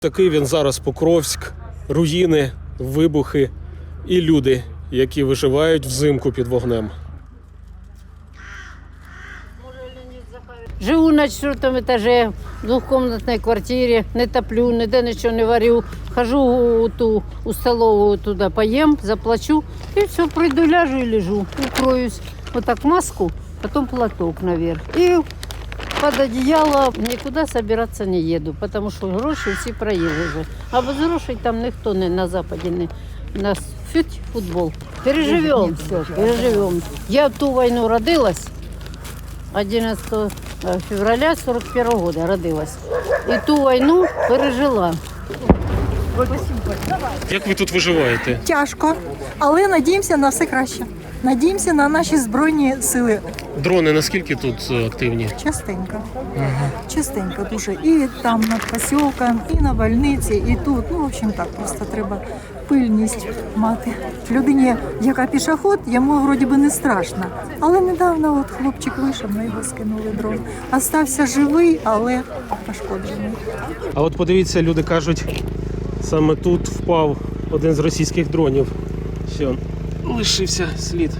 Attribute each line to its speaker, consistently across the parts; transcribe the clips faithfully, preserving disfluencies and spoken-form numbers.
Speaker 1: Такий він зараз Покровськ, руїни, вибухи і люди, які виживають взимку під вогнем.
Speaker 2: Живу на четвертом этаже, в двухкомнатной квартире, не топлю, ніде нічого не варю. Хожу у ту у столовую туда, поем, заплачу и все, приду, ляжу и лежу, укроюсь. Вот так маску, потом платок наверх. И под одеяло никуда собираться не еду, потому что гроші всі проїли вже. А без грошей там ніхто не на Западі не. У нас фють, футбол. Переживем все, переживем. Я в ту війну родилась. одиннадцатого февраля сорок первого года родилась. І ту війну пережила.
Speaker 1: Як ви тут виживаєте?
Speaker 3: Тяжко, але надіємося на все краще. Надіємося на наші Збройні сили.
Speaker 1: Дрони наскільки тут активні?
Speaker 3: Частенько. Частенько дуже. І там над посілком, і на больниці, і тут. Ну, в общем, так, просто треба пильність мати. Людині, яка пішоход, йому вроді би не страшно. Але недавно от хлопчик вийшов, на його скинули дрон. Остався живий, але пошкоджений.
Speaker 1: А от подивіться, люди кажуть, саме тут впав один з російських дронів. Все, лишився слід.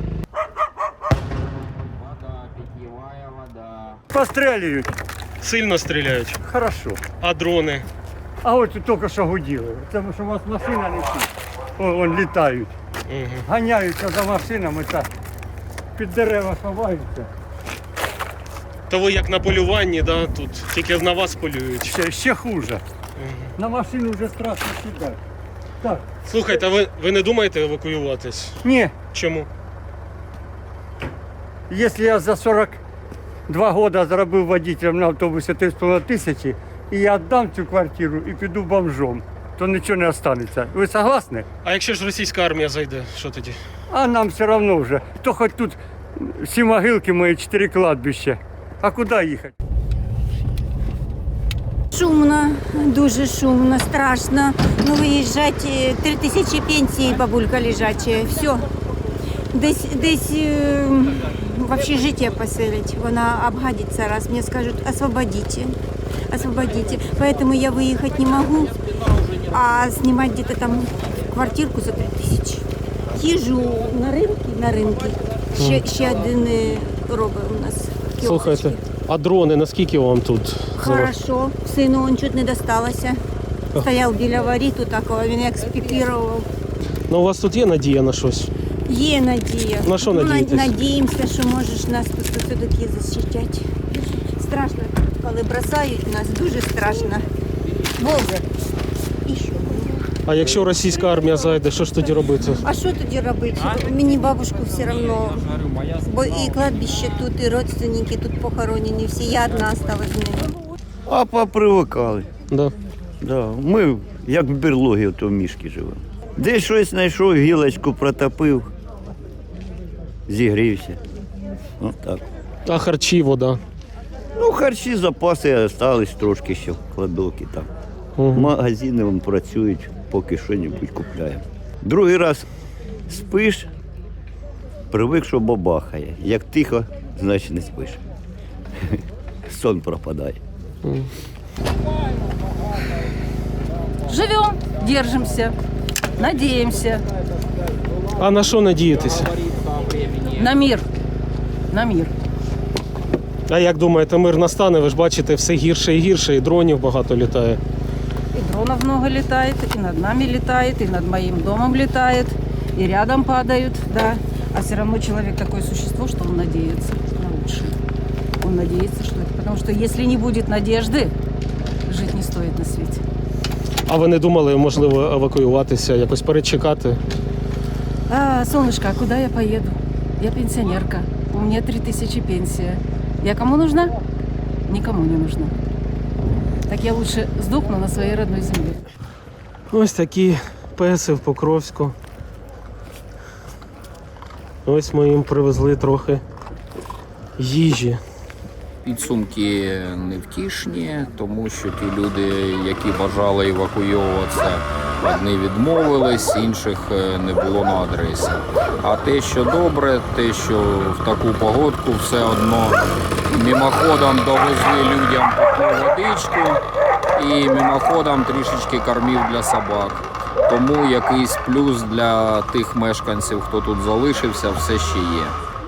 Speaker 4: Постреливают.
Speaker 1: Сильно стріляють.
Speaker 4: Хорошо.
Speaker 1: А дрони?
Speaker 4: А от тут тільки що гуділи. Тому що у вас машина летить. О, вон літають.
Speaker 1: Угу.
Speaker 4: Ганяються за машинами та під дерева ховаються.
Speaker 1: То ви як на полюванні, да, тут? Тільки на вас полюють.
Speaker 4: Ще, ще хуже.
Speaker 1: Угу.
Speaker 4: На машину вже страшно сідати. Так.
Speaker 1: Слухайте, а ви, ви не думаєте евакуюватись?
Speaker 4: Ні,
Speaker 1: Чому?
Speaker 4: якщо я за сорок два роки заробив водителем на автобусі три з половиною тисячі, і я віддам цю квартиру і піду бомжом, то нічого не залишиться. Ви согласні?
Speaker 1: А якщо ж російська армія зайде, що тоді?
Speaker 4: А нам все одно вже. То хоч тут всі могилки мої, чотири кладбища. А куди їхати?
Speaker 5: Шумно, дуже шумно, страшно. Ну, виїжджати, три тисячі пенсії, бабулька лежача, все. Десь, десь е, в общежитие поселить, вона обгадится раз, мне скажут, освободите, освободите. Поэтому я выехать не могу, а снимать где-то там квартирку за три тисячі. Їжу на ринки, на ринки. Ще, ще один е, робить у нас. кіосочки.
Speaker 1: Слухайте, а дрони наскільки вам тут?
Speaker 5: Хорошо, сину он чуть не досталося. Стояв біля воріту такого, він як спікірував.
Speaker 1: Ну у вас тут є надія на щось?
Speaker 5: Є надія.
Speaker 1: На що
Speaker 5: Ну,
Speaker 1: надієтесь?
Speaker 5: Надіємося, що можеш нас тут все-таки захищати. Страшно, коли бросають нас, дуже страшно. Боже. І що?
Speaker 1: А якщо російська армія зайде, що ж тоді робити?
Speaker 5: А що тоді робити? Мені бабушку все одно. Бо і кладбище тут, і родственники тут похоронені всі. Я одна осталась з ними.
Speaker 6: А попривикали.
Speaker 1: Да.
Speaker 6: Да. Ми як в берлогі в тому мішки живемо. Десь щось знайшов, гілочку протопив, зігрівся. Ну так.
Speaker 1: А харчі, вода?
Speaker 6: Ну, харчі, запаси залишились трошки ще в кладовці там.
Speaker 1: Угу.
Speaker 6: Магазини вон працюють, поки що-небудь купляємо. Другий раз спиш, привик, що бабахає. Як тихо, значить не спиш. Сон пропадає.
Speaker 7: Живем, держимся, надеемся
Speaker 1: А на що надіятися?
Speaker 7: на мир, на мир.
Speaker 1: А як думаєте, мир настане? Ви ж бачите, все гірше і гірше, і дронів багато літає.
Speaker 7: И дронов много летает, и над нами летает, и над моим домом летает, и рядом падают, да. А все равно человек такое существо, что он надеется на лучшее. Он надеется, что это. Потому что если не будет надежды, жить не стоит на свете.
Speaker 1: А ви не думали, можливо, евакуюватися, якось перечекати?
Speaker 7: А, солнышко, а куда я поеду? Я пенсионерка, у меня три тысячи пенсия. Я кому нужна? Никому не нужна. Так я лучше сдохну на своей родной земле.
Speaker 1: Ось такі песи в Покровську. Ось ми їм привезли трохи їжі.
Speaker 8: Підсумки невтішні, тому що ті люди, які бажали евакуюватися, одні відмовились, інших не було на адресі. А те, що добре, те, що в таку погодку все одно мимоходом довезли людям питну водичку і мимоходом трішечки кормів для собак. Тому якийсь плюс для тих мешканців, хто тут залишився, все ще є.